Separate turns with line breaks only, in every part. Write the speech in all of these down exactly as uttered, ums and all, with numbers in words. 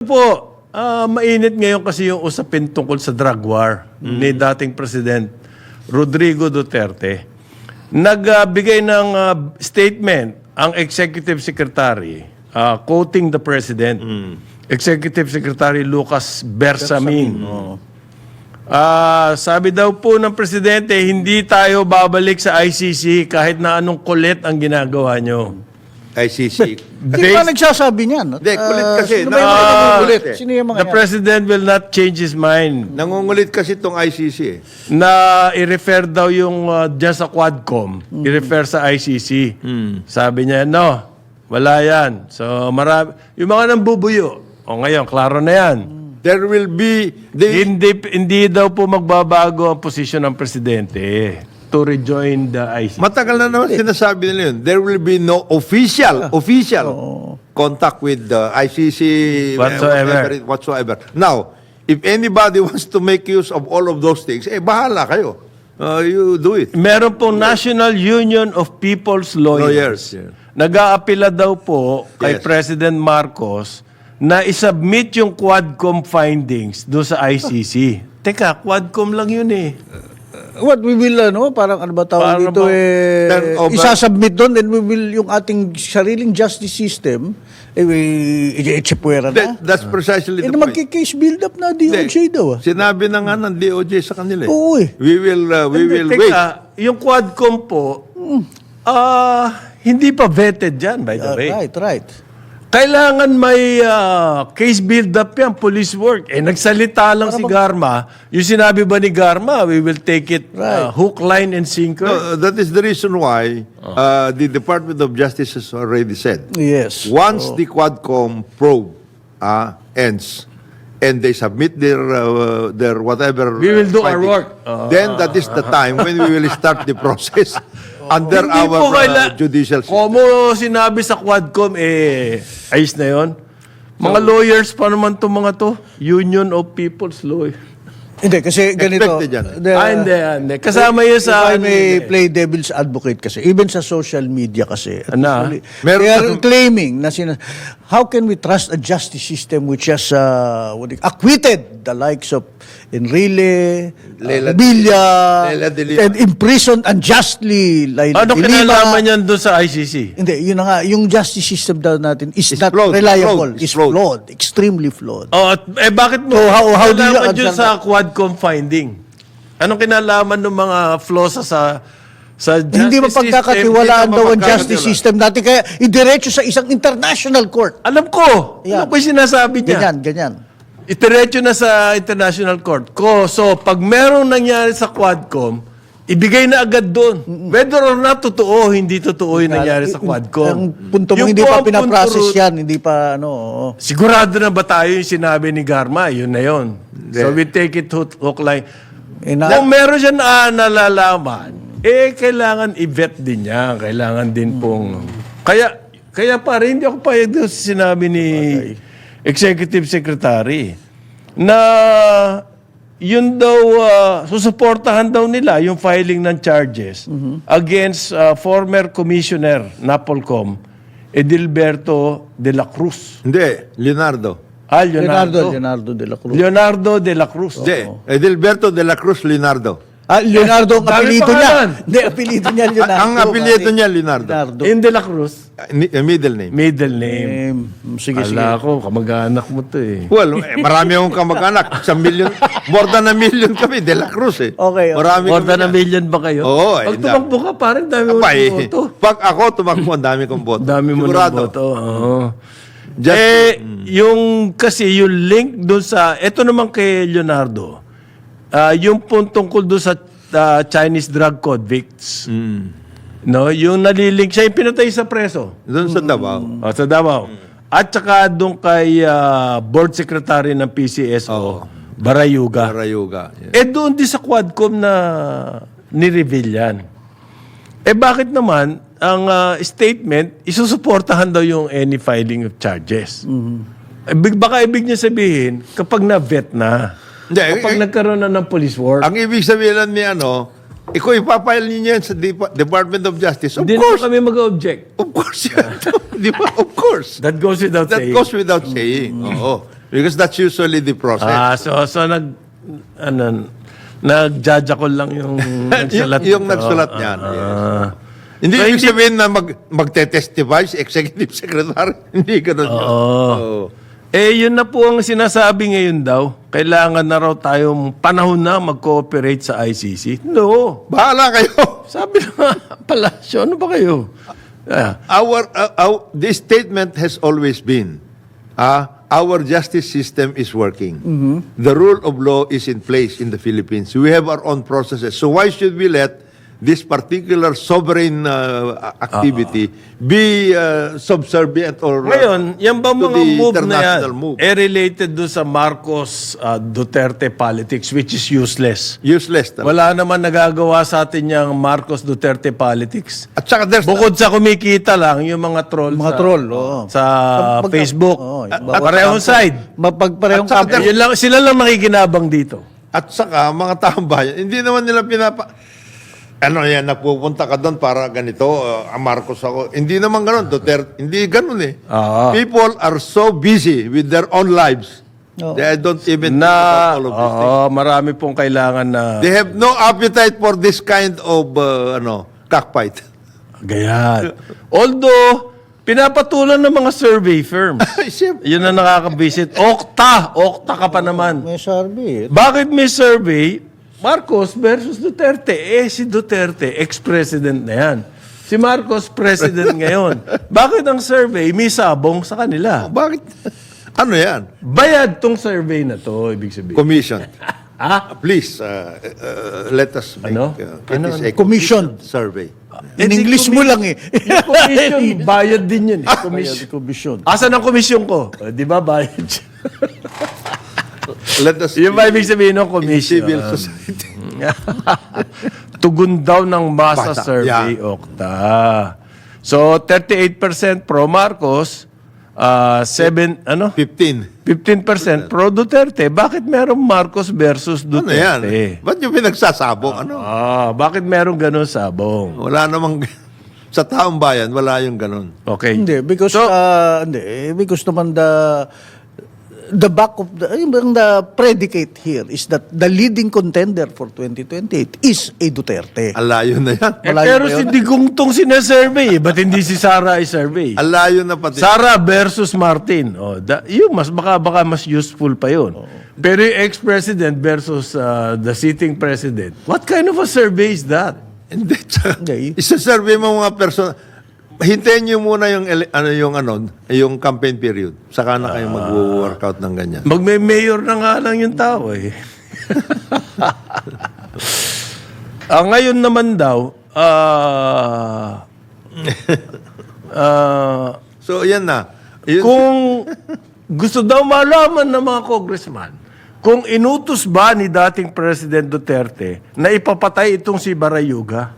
po, ah, mainit ngayon kasi yung usapin tungkol sa drug war ni dating President Rodrigo Duterte. Nagbigay ng ah, statement ang Executive Secretary ah, quoting the President. Executive Secretary Lucas Bersamin. Ah, sabi daw po ng Presidente, hindi tayo babalik sa I C C kahit na anong kulit ang ginagawa nyo.
I C C.
Hindi pa nagsasabi niyan.
Hindi, kulit kasi.
Sino ba yung mga
Ah,
nangungulit?
eh.
Sino yung mga
The
yan?
President will not change his mind
Nangungulit kasi itong I C C eh.
na i-refer daw yung uh, dyan sa Quadcom, i-refer sa I C C. Sabi niya, no, wala yan. So, marami, yung mga nambubuyo, o ngayon, klaro na yan.
There will be... The,
Hindi, hindi daw po magbabago ang posisyon ng Presidente to rejoin the I C C.
matagal na naman sinasabi nila yun. There will be no official, official contact with the I C C
Whatsoever.
whatever it- whatsoever. Now, if anybody wants to make use of all of those things, eh, bahala kayo. Uh, you do it.
Meron pong National Union of People's Lawyers.
Lawyers, yeah.
Nag-aapila daw po kay
Yes.
President Marcos na isubmit yung Quadcom findings doon sa I C C. Teka, Quadcom lang yun eh.
What we will, ano, parang ano ba tawag
Para
dito,
ba-
eh,
Turn over.
isasubmit doon, then we will, yung ating sariling justice system, eh, i-chipwera na.
That- that's precisely
Eh,
the
na
point.
magkikase build up na D O J
Hindi.
daw. Ah.
Sinabi na nga ng D O J sa kanila eh.
Oo eh.
We will, uh, we
Hindi,
will
teka,
wait.
yung Quadcom po, ah, hindi pa vetted dyan, by the
Ah,
way.
right, right.
Kailangan may ah, case build-up yan, police work. Eh, nagsalita lang si Garma. Yung sinabi ba ni Garma, we will take it ah, hook, line, and sinker?
No, that is the reason why uh, the Department of Justice has already said,
Yes.
once the Quadcom probe uh, ends and they submit their uh, their whatever,
We will
uh,
do our
findings,
work.
then that is the time when we will start the process under
Hindi po
our uh,
kaila-
judicial system.
Como sinabi sa Quadcom, eh, ayos na yon. Mga lawyers pa naman to mga to. Union of People's Lawyers.
Hindi, kasi ganito.
Expected yan.
the-
ah, hindi, hindi. Kasama yun sa...
If I
ano
may
yun eh.
play devil's advocate kasi, even sa social media kasi, at
Ano?
usually,
Meron
they are
na-
claiming na sina, how can we trust a justice system which has uh, what do you- acquitted the likes of Enrile,
Leila-
uh, Villa,
Leila de Lima.
and imprisoned unjustly Laila
Ano
de Lima.
kinalaman yan doon sa I C C?
Hindi, yun na nga, yung justice system daw natin is
Is
not
flawed,
reliable,
flawed,
is
is flawed.
flawed, extremely flawed.
Oh, at, eh bakit mo
So, how- how do you
kinalaman dyan
answer
sa Quadcom finding? Anong kinalaman ng mga flaws sa sa, sa justice
Hindi
hindi
mapagkakatiwalaan
mo
daw ang
mapagkakatiwalaan.
justice system natin, kaya idiretso sa isang international court.
Alam ko.
Yan.
Ano ko yung sinasabi niya?
Ganyan, ganyan.
Itiretso na sa International Court. Ko, so, pag merong nangyari sa Quadcom, ibigay na agad doon. Whether or not totoo, hindi totoo yung nangyari sa Quadcom.
Ang punto mo,
Yung
hindi
po
pa
ang
pinaprocess
punto-
yan, hindi pa, ano, oo.
Sigurado na ba tayo yung sinabi ni Garma? Yun na yun. So, we take it hook, hook line.
Eh, na-
Kung meron siya na nalalaman, eh, kailangan i-vet din niya. Kailangan din pong... Kaya, kaya pare, hindi ako payag doon sa sinabi ni Executive Secretary na yun daw, uh, susuportahan daw nila yung filing ng charges against uh, former Commissioner Napolcom, Edilberto de la Cruz.
Hindi, Leonardo.
Ah,
Leonardo,
Leonardo.
Leonardo de la Cruz.
Leonardo de la Cruz.
Hindi, Edilberto de la Cruz Leonardo.
Ah, Leonardo ang
Dami
apelido niya.
pangalan.
Hindi, apelido niya Leonardo.
Ang apelyido
pare.
niya, Leonardo.
Leonardo.
In de la Cruz,
Uh, ni- uh, middle name.
middle name.
Eh, sige, sige.
Ala ko, kamag-anak mo to eh.
Well, eh, marami akong kamag-anak. Sa million, more than a million kami, De La Cruz eh.
Okay, okay.
Marami
More
kami
than a
na.
million ba kayo?
Oo, eh,
Pag
dami.
tumakbo ka, parang dami mo
Abay,
ng boto.
pag ako tumakbo, ang dami kong boto.
Dami mo ng
Sigurado.
boto. Oo.
Just-
eh, yung kasi yung link doon sa, eto naman kay Leonardo, ah, yung pong tungkol doon sa ah, Chinese drug convicts.
Mm.
No, yung nalilink siya, yung pinatay sa preso.
Doon sa Davao.
Oh, sa Davao. At saka doon kay ah, board secretary ng P C S O, Barayuga.
Barayuga. Yeah.
Eh doon din sa Quadcom na ni-reveal yan. Eh bakit naman ang ah, statement, isusuportahan daw yung any filing of charges. Eh, big- baka ibig niya sabihin, kapag na-vet na,
Hindi,
kapag
eh,
nagkaroon na ng police work,
ang ibig sabihin lang ni ano, ikaw ipapile niyo yan sa Depa- Department of Justice. Of
hindi na
course.
kami mag-object.
Of course yan. Di ba? Of course.
That goes without
That
saying.
goes without saying. Oo. Because that's usually the process.
Ah, so, so nag, ano, nag-judge lang yung nagsulat.
yung, yung
nito.
nagsulat niyan.
Ah.
yes. Hindi
So,
ibig
hindi-
sabihin na mag, magte-testify si executive secretary. Hindi ganun yun. Oo.
Eh, yun na po ang sinasabi ngayon daw. Kailangan na raw tayong panahon na mag-cooperate sa I C C. No.
Bahala kayo.
Sabi na palasyo, ano ba kayo? Ah,
Our, uh, our this statement has always been, ah, our justice system is working. The rule of law is in place in the Philippines. We have our own processes. So why should we let this particular sovereign uh, activity be uh, subservient or uh,
Ngayon, yan ba
to
mga
the
move na yan,
international move?
eh related doon sa Marcos uh, Duterte politics, which is useless.
Useless. talaga.
Wala naman nagagawa sa atin yung Marcos Duterte politics.
At saka there's
Bukod sa kumikita lang, yung mga troll
Mga
sa,
troll, oo.
sa
Pagka-
Facebook.
oo,
At
bawat
parehong
kampo.
side.
Mapagparehong
At saka
kampo.
Yun lang, sila lang nakikinabang dito.
At saka, mga taong bayan, hindi naman nila pinapa... Ano yan, napupunta ka doon para ganito, uh, ah, Marcos ako. Hindi naman ganun, Duterte. Hindi ganun eh.
Ah.
People are so busy with their own lives.
Oo.
They don't even think
Na,
about all of these things.
oo, marami pong kailangan na
They have no appetite for this kind of, uh, ano, cockfight.
gayan. Although, pinapatulan ng mga survey firms.
Siyempre.
Yun ang nakaka-visit. Okta! Okta ka pa naman.
May survey.
Bakit may survey? Marcos versus Duterte. Eh, si Duterte, ex-president na yan. Si Marcos, president ngayon. Bakit ang survey may sabong sa kanila?
Bakit? Ano yan?
Bayad tong survey na to, ibig sabihin.
Commission.
Ah?
Please, uh, uh, let us make
Ano?
uh, it
Ano,
is
ano?
a
Commission.
survey.
In
Eh, di
English mo lang eh.
Yung commission, bayad din yun. Eh.
Commission.
Commission.
Commission.
Asan ang komisyon ko? O, di ba bayad siya?
Let us
Yung ba ibig sabihin ng commission?
civil society.
Tugon daw ng masa
Basa,
survey,
yeah.
Okta. So, thirty-eight percent pro Marcos, uh, seven, ano?
fifteen.
fifteen percent pro Duterte. Bakit merong Marcos versus
Ano
Duterte?
yan? Ba't yung pinagsasabong? Ano?
Ah, bakit merong ganun sabong?
Wala namang... Sa taong bayan, wala yung ganun.
Okay.
Hindi, because,
So-
uh, hindi, because naman the, the back of the, yung bang the predicate here is that the leading contender for twenty twenty-eight is a Duterte.
Alayo na yan.
Eh,
Malayo
pero
ba
si
yun?
Digong tong sinasurvey eh. Ba't hindi si Sara ay survey?
Alayo na pati.
Sara versus Martin. Oh, da, yun, mas baka, baka mas useful pa yun. Pero yung ex-president versus uh, the sitting president, what kind of a survey is that?
Hindi. tsaka,
Hindi.
Isa-survey mo mga person. Hintayin nyo muna yung, ele- ano, yung, ano, yung campaign period. Saka na kayo mag-workout ng ganyan.
Magme-mayor na nga lang yung tao eh. Ah, ngayon naman daw, ah... ah,
So, yan na. Yun-
kung gusto daw malaman ng mga congressman kung inutos ba ni dating President Duterte na ipapatay itong si Barayuga.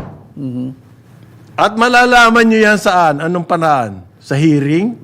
At malalaman nyo yan saan? Anong panaan? Sa hearing?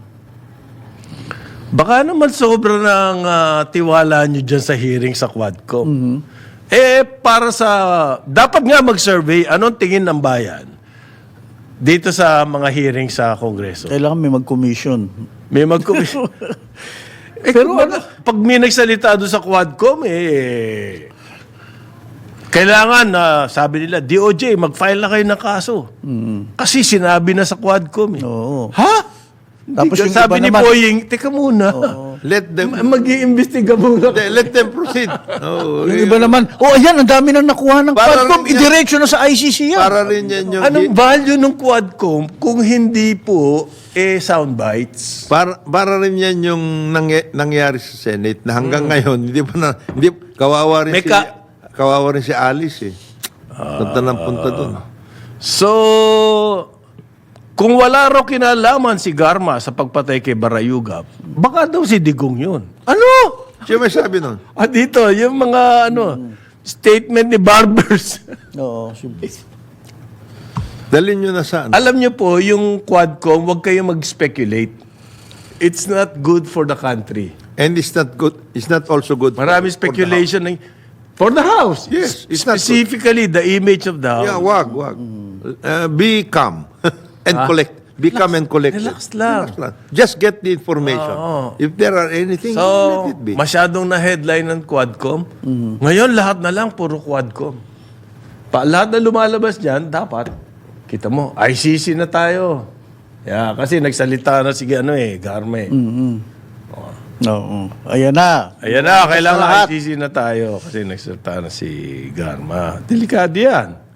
Baka naman sobra ng ah, tiwala nyo dyan sa hearing sa Quadcom. Eh, para sa... Dapat nga mag-survey, anong tingin ng bayan dito sa mga hearing sa Kongreso?
Kailangan may mag-commission.
May mag-commission. eh, pero pag may nagsalita doon sa Quadcom, eh, kailangan na, sabi nila, D O J, mag-file na kayo ng kaso. Kasi sinabi na sa Quadcom. Eh.
Oo.
Ha?
Tapos
Hindi
yung
ka- sabi
iba
ni
naman-
Boying, teka muna.
Let them...
Mag-iimbestiga muna.
Hindi, let them proceed. Oh,
Yung iba naman, oh ayan, ang dami nang nakuha ng
Para
Quadcom,
rin yan-
idiretso na sa I C C yan.
Para rin yan yung...
Anong value ng Quadcom kung hindi po eh sound bites?
Para, para rin yan yung nangya- nangyari sa Senate na hanggang ngayon, hindi pa na... Hindi, kawawa rin
May
si...
ka-
kawawa rin si Alice eh. Punta ng punta doon.
So, kung wala raw kinalaman si Garma sa pagpatay kay Barayuga, baka daw si Digong yun. Ano?
Siya may sabi nun.
Ah, dito, yung mga ano, statement ni Barbers.
Oo, siyempre.
Dalhin nyo na saan?
Alam niyo po, yung Quadcom, huwag kayong mag-speculate. It's not good for the country.
And it's not good. It's not also good. for-
Marami
for the
speculation ng for the House.
Yes, it's not
Specifically, the image of the
house.
House.
Yeah, wag, wag. Uh, be calm and
Ah.
collect. be come and collect it.
Relax lang.
Just get the information.
Oo.
If there are anything,
So,
let it be.
masyadong na-headline ng Quadcom. Ngayon, lahat na lang, puro Quadcom. Pa, lahat na lumalabas dyan, dapat, kita mo, I C C na tayo. Yeah, kasi nagsalita na si ano eh, Garme.
Oo. Ayan na.
Ayan na, kailangan
lahat.
I C C na tayo kasi nagsalita na si Garma. Delikado yan.